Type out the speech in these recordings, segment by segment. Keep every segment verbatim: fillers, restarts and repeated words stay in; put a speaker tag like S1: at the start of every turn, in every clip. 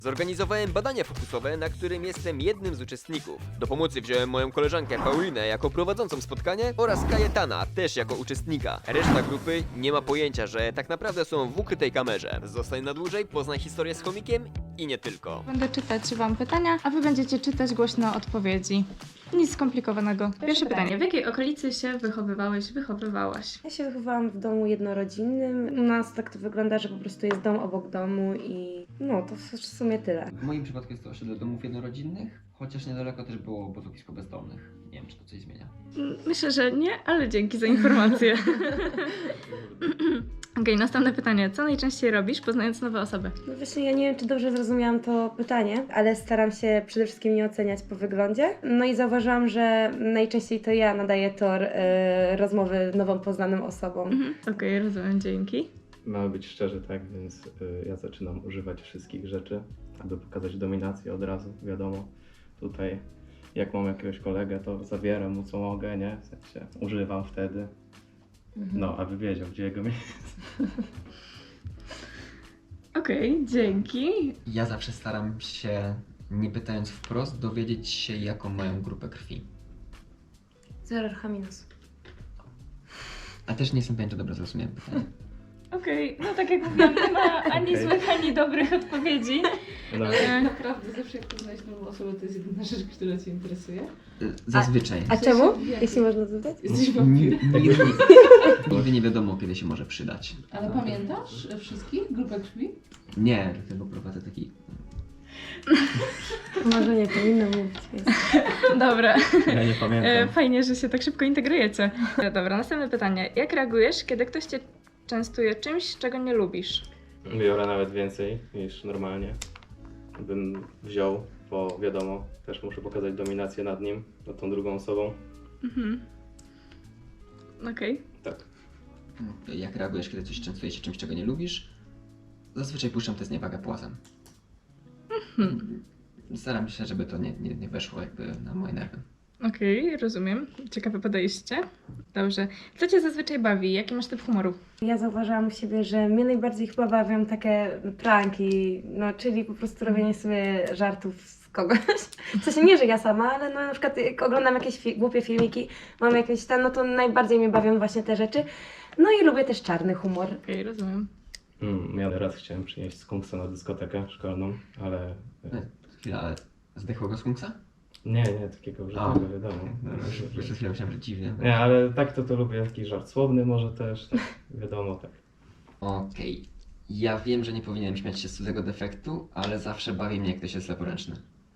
S1: Zorganizowałem badania fokusowe, na którym jestem jednym z uczestników. Do pomocy wziąłem moją koleżankę Paulinę jako prowadzącą spotkanie oraz Kajetana też jako uczestnika. Reszta grupy nie ma pojęcia, że tak naprawdę są w ukrytej kamerze. Zostań na dłużej, poznaj historię z chomikiem i nie tylko.
S2: Będę czytać wam pytania, a wy będziecie czytać głośno odpowiedzi. Nic skomplikowanego. Pierwsze pytanie. W jakiej okolicy się wychowywałeś, wychowywałaś?
S3: Ja się wychowałam w domu jednorodzinnym. U nas tak to wygląda, że po prostu jest dom obok domu i no to w sumie tyle.
S4: W moim przypadku jest to osiedle domów jednorodzinnych, chociaż niedaleko też było obozowisko bezdomnych. Nie wiem, czy to coś zmienia.
S2: Myślę, że nie, ale dzięki za informację. Okej, okay, następne pytanie. Co najczęściej robisz, poznając nowe osoby?
S3: No właśnie, ja nie wiem, czy dobrze zrozumiałam to pytanie, ale staram się przede wszystkim nie oceniać po wyglądzie. No i zauważyłam, że najczęściej to ja nadaję tor y, rozmowy nową poznanym osobom.
S2: Mhm. Okej, okay, rozumiem, dzięki.
S5: Mamy być szczerzy, tak, więc y, ja zaczynam używać wszystkich rzeczy, aby pokazać dominację od razu, wiadomo. Tutaj jak mam jakiegoś kolegę, to zabieram mu co mogę, nie? W sensie używam wtedy. No, aby wiedział, gdzie jego miejsce.
S2: Okej, okay, dzięki.
S4: Ja zawsze staram się, nie pytając wprost, dowiedzieć się, jaką mają grupę krwi.
S3: Zero H minus.
S4: A też nie jestem pewien, czy dobrze zrozumiałem pytanie.
S2: Okej, okay, no tak jak mówiłam, nie ma ani
S5: Okay.
S2: złych, ani dobrych odpowiedzi.
S5: No,
S6: Ale tak naprawdę zawsze jak poznać nową osobę, to jest jedyna rzecz, która Cię interesuje.
S4: Zazwyczaj.
S3: A czemu? Jeśli można zapytać?
S6: Jesteś
S4: Ni-
S6: wampirem.
S4: Nigdy, nigdy nie wiadomo, kiedy się może przydać.
S6: Ale pamiętasz wszystkich? Grupę krwi?
S4: Nie, dlatego prowadzę taki...
S3: Może nie powinno mówić. Więc...
S2: Dobra.
S5: ja nie
S2: E,
S5: pamiętam.
S2: Fajnie, że się tak szybko integrujecie. E, Dobra, następne pytanie. Jak reagujesz, kiedy ktoś cię częstuje czymś, czego nie lubisz?
S5: Biorę nawet więcej niż normalnie bym wziął, bo wiadomo, też muszę pokazać dominację nad nim, nad tą drugą osobą.
S2: Mhm. Okej.
S5: Tak.
S4: Jak reagujesz, kiedy coś częstuje się czymś, czego nie lubisz? Zazwyczaj puszczam tę zniewagę płazem.
S2: Mhm.
S4: Staram się, żeby to nie, nie, nie weszło jakby na moje nerwy.
S2: Okej, rozumiem. Ciekawe podejście. Dobrze. Co cię zazwyczaj bawi? Jaki masz typ humoru?
S3: Ja zauważyłam u siebie, że mnie najbardziej chyba bawią takie pranki, no czyli po prostu robienie sobie żartów z kogoś. W sensie nie, że ja sama, ale no na przykład jak oglądam jakieś fi- głupie filmiki, mam jakieś tam, no to najbardziej mnie bawią właśnie te rzeczy. No i lubię też czarny humor.
S2: Okej, rozumiem.
S5: Mm, ja raz chciałem przynieść skunksa na dyskotekę szkolną, ale...
S4: E, Chwila, ale zdechłego skunksa?
S5: Nie, nie, takiego użytego, wiadomo.
S4: Już przed chwilą myślałem, że dziwnie.
S5: Nie, ale tak to to lubię, taki żart słowny może też, tak, wiadomo, tak.
S4: Okej. Ja wiem, że nie powinienem śmiać się z cudzego defektu, ale zawsze bawi mnie, jak ktoś jest leworęczny.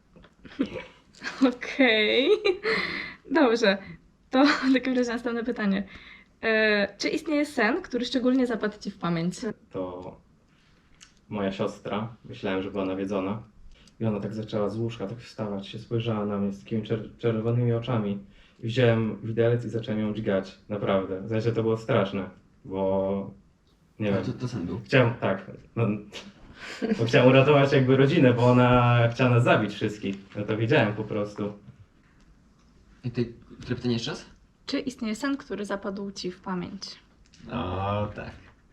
S2: Okej. Dobrze. To w takim razie następne pytanie. E, czy istnieje sen, który szczególnie zapadł ci w pamięć?
S5: To moja siostra, myślałem, że była nawiedzona. I ona tak zaczęła z łóżka tak wstawać, się spojrzała na mnie z takimi czer- czerwonymi oczami. I wziąłem widelec i zacząłem ją dźgać, naprawdę. W sensie to było straszne, bo nie
S4: A
S5: wiem.
S4: to, to sen był.
S5: Chciałem, tak, no, bo chciałem uratować jakby rodzinę, bo ona chciała nas zabić wszystkich. No to wiedziałem po prostu.
S4: I ty, które pytanie jeszcze raz?
S2: Czy istnieje sen, który zapadł ci w pamięć?
S4: O, tak.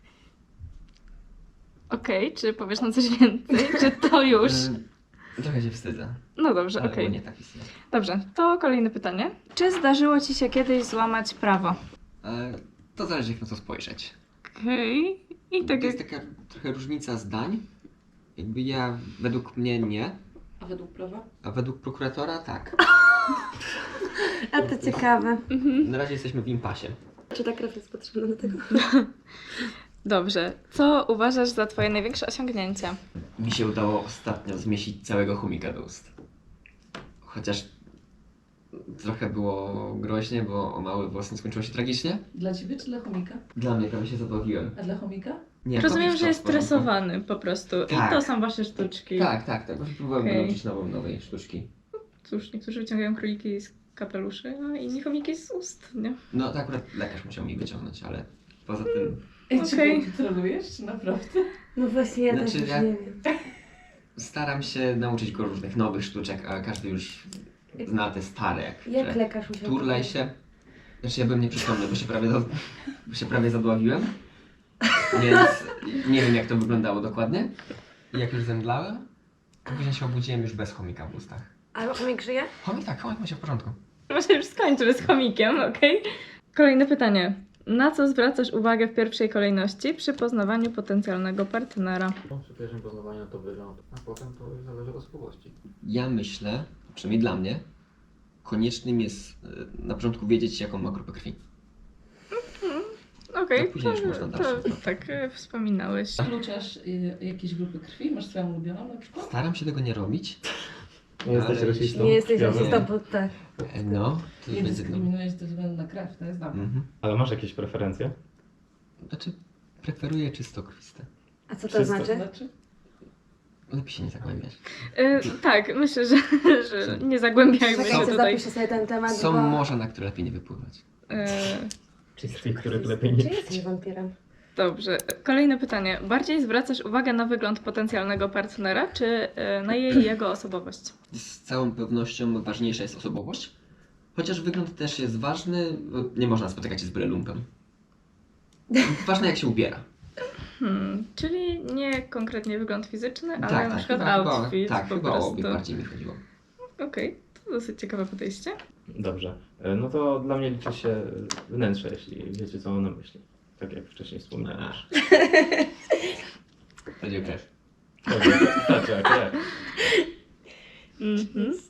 S2: Okej, czy powiesz nam coś więcej? Czy to już?
S4: E, trochę się wstydzę,
S2: No dobrze,
S4: ale
S2: okej.
S4: okay. nie tak istnieje.
S2: Dobrze, to kolejne pytanie. Czy zdarzyło ci się kiedyś złamać prawo?
S4: E, to zależy, jak na to spojrzeć.
S2: Okej. I tak
S4: To
S2: jak...
S4: jest taka trochę różnica zdań. Jakby ja, według mnie nie,
S6: A według prawa?
S4: a według prokuratora tak.
S3: A to ciekawe.
S2: Mhm.
S4: Na razie jesteśmy w impasie.
S3: Czy ta krew jest potrzebna do tego?
S2: Dobrze. Co uważasz za twoje największe osiągnięcie?
S4: Mi się udało ostatnio zmieścić całego chomika do ust. Chociaż trochę było groźnie, bo o mały włos nie skończyło się tragicznie.
S6: Dla Ciebie czy dla chomika?
S4: Dla mnie prawie się zadławiłem.
S6: A dla chomika?
S4: Nie,
S2: Rozumiem,
S4: chomik
S2: że jest
S4: w porządku.
S2: stresowany po prostu.
S4: Tak.
S2: I to są wasze sztuczki.
S4: Tak, tak, tak. Właśnie próbowałem
S2: Okej.
S4: nauczyć nową, nowej sztuczki.
S2: Cóż, niektórzy wyciągają króliki z kapeluszy, a inni chomiki z ust, nie?
S4: No to akurat lekarz musiał mi wyciągnąć, ale poza tym...
S6: Ej,
S2: Okej.
S6: Czy trolujesz, czy naprawdę?
S3: No właśnie, ja
S4: Znaczy,
S3: też już
S4: ja-
S3: nie wiem.
S4: Staram się nauczyć go różnych nowych sztuczek, a każdy już zna te stare, jak,
S3: Jak
S4: że
S3: lekarz musiał...
S4: turlaj się. Znaczy ja bym nie przypomniał, bo się prawie, za, bo się prawie zadławiłem, więc nie wiem, jak to wyglądało dokładnie. I jak już zemdlałem, Później się obudziłem już bez chomika w ustach.
S3: Ale chomik żyje?
S4: Chomik tak, chomik ma się w porządku.
S2: Może już skończymy z chomikiem, okej? Kolejne pytanie. Na co zwracasz uwagę w pierwszej kolejności przy poznawaniu potencjalnego partnera?
S7: No, przy pierwszym poznawaniu to wygląd, a potem to już zależy od osobowości.
S4: Ja myślę, przynajmniej dla mnie, koniecznym jest e, na początku wiedzieć, jaką ma grupę krwi.
S2: Okej,
S4: To później już można
S2: to,
S4: dalsze.
S2: to tak e, wspominałeś.
S6: Wykluczasz y, jakieś grupy krwi? Masz swoją ulubioną na przykład?
S4: Staram się tego nie robić.
S5: Nie jesteś
S4: Ale-
S5: rasistą?
S3: Nie jesteś
S5: Wiadomo.
S3: rasistą, bo tak.
S4: E, No, to
S6: Nie
S4: już będzie no.
S6: dyskryminujesz ze względu na krew, to jest dobre.
S4: Mhm.
S5: Ale masz jakieś preferencje?
S4: Znaczy, preferuję czysto krwiste.
S3: A co to
S5: Wszystko
S3: znaczy?
S6: Znaczy?
S4: Lepiej się nie zagłębiać.
S2: E, tak, myślę, że, że nie zagłębiajmy się
S3: Czekajcie,
S2: tutaj.
S3: zapiszę sobie ten temat,
S4: Są
S3: bo...
S4: morza, na które lepiej nie wypływać.
S2: E,
S5: Krwi, których lepiej nie
S3: Czy jesteś wampirem?
S2: Dobrze. Kolejne pytanie. Bardziej zwracasz uwagę na wygląd potencjalnego partnera, czy e, na jej jego osobowość?
S4: Z całą pewnością ważniejsza jest osobowość. Chociaż wygląd też jest ważny, bo nie można spotykać się z byle lumpem. Ważne jak się ubiera.
S2: Hmm, czyli nie konkretnie wygląd fizyczny, ale
S4: tak,
S2: na
S4: tak,
S2: przykład
S4: chyba,
S2: outfit
S4: chyba, tak,
S2: po
S4: chyba o
S2: prostu.
S4: obie bardziej mi chodziło.
S2: Okej, to dosyć ciekawe podejście.
S5: Dobrze. E, No to dla mnie liczy się wnętrze, jeśli wiecie, co mam na myśli. Tak jak wcześniej wspomniałem już.
S4: Będzie krew.
S5: Dobrze, tak, tak, tak.
S2: Mhm.